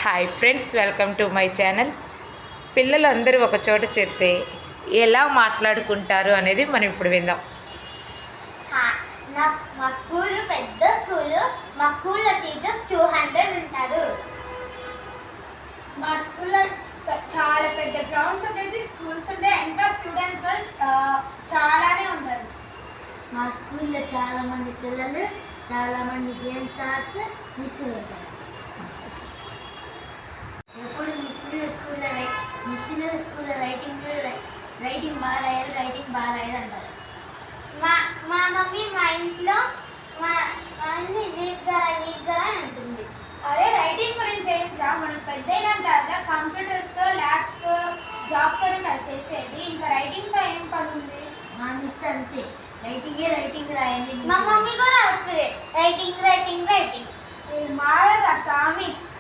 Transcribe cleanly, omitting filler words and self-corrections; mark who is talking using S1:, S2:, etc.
S1: Hi friends, welcome to my channel. పిల్లలందరూ ఒక చోట చేరితే ఎలా మాట్లాడుకుంటారు అనేది మనం ఇప్పుడు విందాం.
S2: మా స్కూల్ పెద్ద స్కూల్. మా స్కూల్లో టీచర్స్ 200 ఉంటారు.
S3: మా స్కూల్లో చాలా పెద్ద గ్రౌండ్స్ ఉండేది, స్కూల్స్ ఉంటాయి, ఇంకా స్టూడెంట్స్ కూడా చాలానే ఉంటారు.
S2: మా స్కూల్లో చాలా మంది పిల్లలు, చాలా మంది గేమ్స్ ఆర్ట్స్ మిస్సులు ఉంటారు. ఎప్పుడు మిస్సులు స్కూల్లో రైటింగ్ బాగా రాయాలి అంటారు. మా మమ్మీ మా ఇంట్లో నీట్గా ఉంటుంది.
S3: అదే రైటింగ్ గురించి ఏంట్రా, మనం పెద్ద అయిన తర్వాత కంప్యూటర్స్తో ల్యాబ్స్తో జాబ్తోనే కదా చేసేది. ఇంకా రైటింగ్తో ఏం పని ఉంది?
S2: మా మిస్ అంతే, రైటింగ్ రాయండి. మా మమ్మీ కూడా రైటింగ్
S3: మారదా స్వామి.